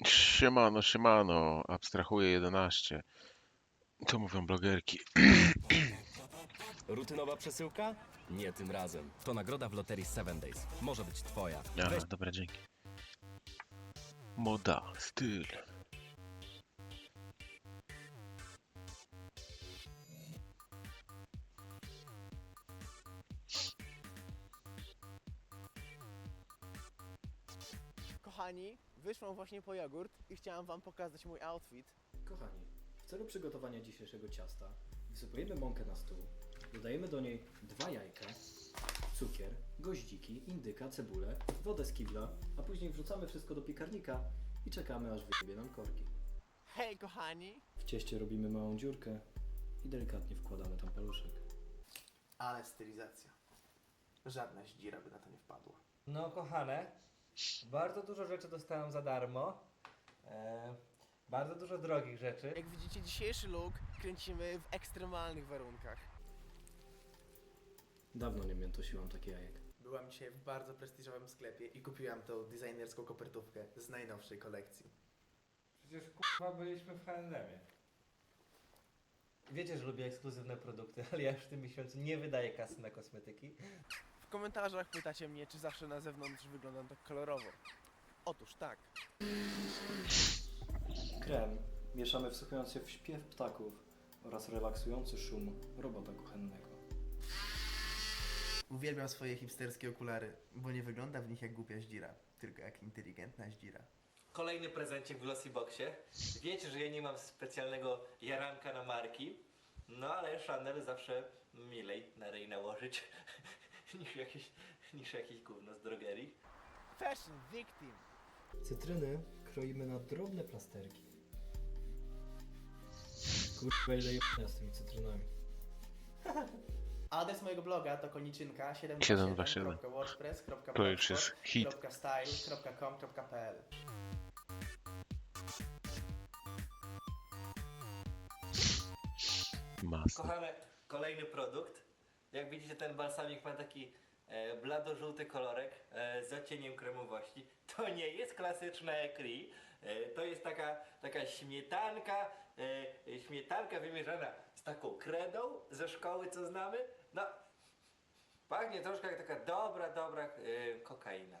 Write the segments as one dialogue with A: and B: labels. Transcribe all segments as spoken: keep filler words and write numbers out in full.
A: Siemano, siemano, abstrahuję jedenaście. To mówią blogerki.
B: Rutynowa przesyłka? Nie tym razem. To nagroda w loterii Seven Days. Może być twoja.
A: Aha,
B: Weź
A: dobra, dzięki. Moda, styl.
C: Kochani, wyszłam właśnie po jogurt i chciałam wam pokazać mój outfit.
D: Kochani, w celu przygotowania dzisiejszego ciasta wysypujemy mąkę na stół, dodajemy do niej dwa jajka, cukier, goździki, indyka, cebulę, wodę z kibla, a później wrzucamy wszystko do piekarnika i czekamy, aż wyjdzie nam korki.
C: Hej kochani!
D: W cieście robimy małą dziurkę i delikatnie wkładamy tam paluszek.
C: Ale stylizacja. Żadna zdzira by na to nie wpadła.
E: No kochane, bardzo dużo rzeczy dostałem za darmo. E, bardzo dużo drogich rzeczy.
C: Jak widzicie, dzisiejszy look kręcimy w ekstremalnych warunkach.
D: Dawno nie miętosiłam takie jajek.
C: Byłam dzisiaj w bardzo prestiżowym sklepie i kupiłam tą designerską kopertówkę z najnowszej kolekcji.
E: Przecież kurwa byliśmy w H and M-ie. Wiecie, że lubię ekskluzywne produkty, ale ja już w tym miesiącu nie wydaję kasy na kosmetyki.
C: W komentarzach pytacie mnie, czy zawsze na zewnątrz wyglądam tak kolorowo. Otóż tak.
D: Krem mieszamy wsłuchując się w śpiew ptaków oraz relaksujący szum robota kuchennego.
C: Uwielbiam swoje hipsterskie okulary, bo nie wygląda w nich jak głupia zdzira, tylko jak inteligentna zdzira.
E: Kolejny prezencik w Glossy Boxie. Wiecie, że ja nie mam specjalnego jaranka na marki, no ale Chanel zawsze milej na ryj nałożyć niż jakieś, niż jakieś gówno z drogerii.
C: Fashion victim!
D: Cytryny kroimy na drobne plasterki. Kurwa, ile jebania z tymi cytrynami.
C: Adres mojego bloga to koniczynka siedem
A: siedem
C: dwa
A: dwa
C: siedem
A: siedem.
C: kropka wordpress kropka
A: To już jest hit.
C: kropka style kropka com kropka p l.
A: Masa.
E: Kochane, kolejny produkt. Jak widzicie, ten balsamik ma taki e, blado-żółty kolorek e, z odcieniem kremowości. To nie jest klasyczna ekri. E, to jest taka, taka śmietanka, e, śmietanka wymierzona z taką kredą ze szkoły, co znamy. No, pachnie troszkę jak taka dobra, dobra e, kokaina.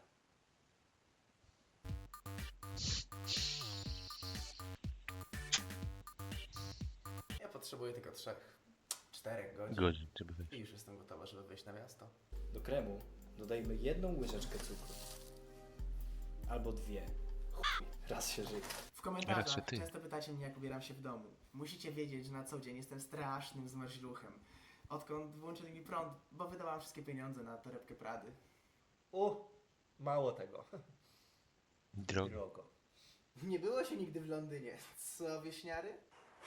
C: Ja potrzebuję tylko trzech, czterech godzin
A: Godzin, żeby wyjść.
C: i już jestem gotowa, żeby wyjść na miasto.
D: Do kremu dodajmy jedną łyżeczkę cukru. Albo dwie. Chuj, raz się żyje.
C: W komentarzach
A: Raczej ty.
C: często pytacie mnie, jak ubieram się w domu. Musicie wiedzieć, że na co dzień jestem strasznym zmarzluchem. Odkąd włączyli mi prąd, bo wydałam wszystkie pieniądze na torebkę Prady.
E: U, mało tego.
A: Drogi.
E: Drogo.
C: Nie było się nigdy w Londynie. Co, wieśniary?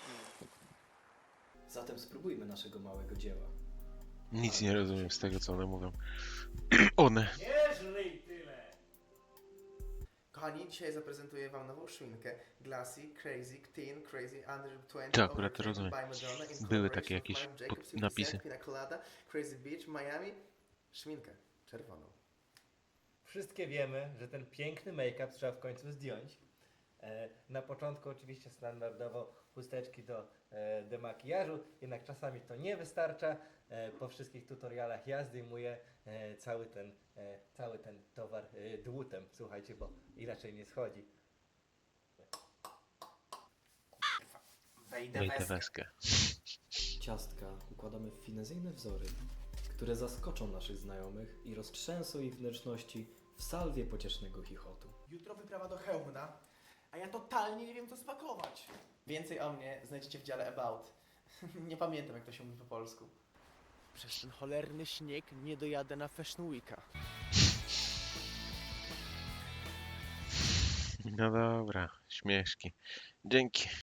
D: Zatem spróbujmy naszego małego dzieła.
A: Nic nie rozumiem z tego, co one mówią. One.
E: Nie żryj tyle!
C: Kochani, dzisiaj zaprezentuję wam nową szminkę Glassy, Crazy, Teen, Crazy, Under dwadzieścia.
A: To akurat
C: Overtaken
A: rozumiem.
C: by Madonna in
A: Były takie
C: collaboration
A: jakieś
C: with Marc Jacobs,
A: pod- napisy.
C: Fifty Cent, Pina Colada, Crazy Beach, Miami. Szminkę czerwoną.
E: Wszystkie wiemy, że ten piękny make-up trzeba w końcu zdjąć. E, na początku oczywiście standardowo chusteczki do e, demakijażu, jednak czasami to nie wystarcza. E, po wszystkich tutorialach ja zdejmuję e, cały, ten, e, cały ten towar e, dłutem, słuchajcie, bo inaczej nie schodzi.
C: Wejdę
A: Wejdę
C: weskę.
A: weskę.
D: Ciastka układamy w finezyjne wzory, które zaskoczą naszych znajomych i roztrzęsą ich wnętrzności w salwie pociesznego chichotu.
C: Jutro wyprawa do Chełmna, a ja totalnie nie wiem, co spakować. Więcej o mnie znajdziecie w dziale About. Nie pamiętam, jak to się mówi po polsku. Przez ten cholerny śnieg nie dojadę na Fashion Weeka.
A: No dobra, śmieszki. Dzięki.